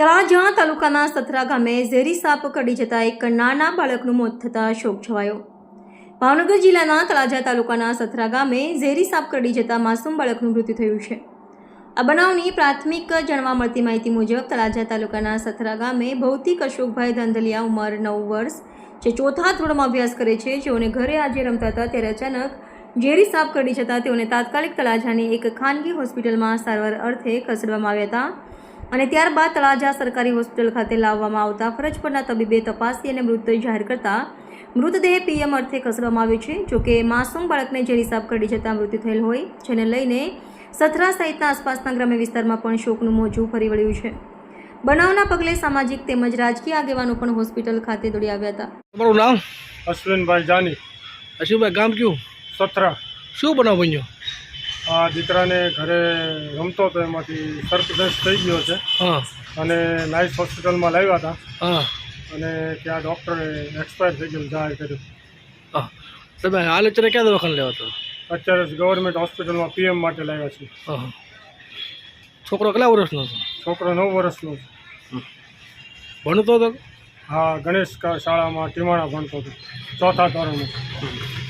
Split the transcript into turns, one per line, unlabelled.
તળાજા તાલુકાના સથરા ગામે ઝેરી સાપ કરડી જતા એક નાના બાળકનું મોત થતાં શોક છવાયો। ભાવનગર જિલ્લાના તળાજા તાલુકાના સથરા ગામે ઝેરી સાપ કરડી જતા માસૂમ બાળકનું મૃત્યુ થયું છે। આ બનાવની પ્રાથમિક જાણવા મળતી માહિતી મુજબ તળાજા તાલુકાના સથરા ગામે ભૌતિક અશોકભાઈ ધાંધલિયા ઉંમર 9 વર્ષ જે ચોથા ધોરણમાં અભ્યાસ કરે છે, જેઓને ઘરે આજે રમતા હતા ત્યારે અચાનક ઝેરી સાપ કરડી જતા તેઓને તાત્કાલિક તળાજાની એક ખાનગી હોસ્પિટલમાં સારવાર અર્થે ખસેડવામાં આવ્યા હતા અને ત્યારબાદ તળાજા સરકારી હોસ્પિટલ ખાતે લાવવામાં આવતા ફરજ પરના તબીબે તપાસી અને મૃત જાહેર કરતા મૃતદેહ પીએમ અર્થે ખસેડવામાં આવ્યો છે। જોકે માસૂમ બાળકને ઝેરી સાપ કરડી જતા મૃત્યુ થયેલ હોય, જેને લઈને સથરા સહિતના આસપાસના ગ્રામ્ય વિસ્તારમાં પણ શોકનું મોજું ફરી વળ્યું છે। બનાવના પગલે સામાજિક તેમજ રાજકીય આગેવાનો પણ હોસ્પિટલ ખાતે દોડી આવ્યા હતા।
તમારું નામ?
અશ્વિનભાઈ જાની।
અશ્વિનભાઈ, ગામ કયું?
સથરા।
શું બનાવ બન્યો?
આ દીકરાને ઘરે રમતો હતો, એમાંથી સર્પદંશ થઈ ગયો છે અને નાઇસ હોસ્પિટલમાં લાવ્યા હતા અને ત્યાં ડૉક્ટરે એક્સપાયર થઈ ગયેલું જાહેર કર્યું।
તમે હાલ અત્યારે ક્યાં દવાખાને લેવા હતા?
અત્યારે ગવર્મેન્ટ હોસ્પિટલમાં પીએમ માટે લાવ્યા છે।
છોકરો કેટલા વર્ષનો હતો?
છોકરો 9 વર્ષનો છે।
ભણતો હતો?
હા, ગણેશ શાળામાં ટીમાણા ભણતો હતો, ચોથા ધોરણમાં।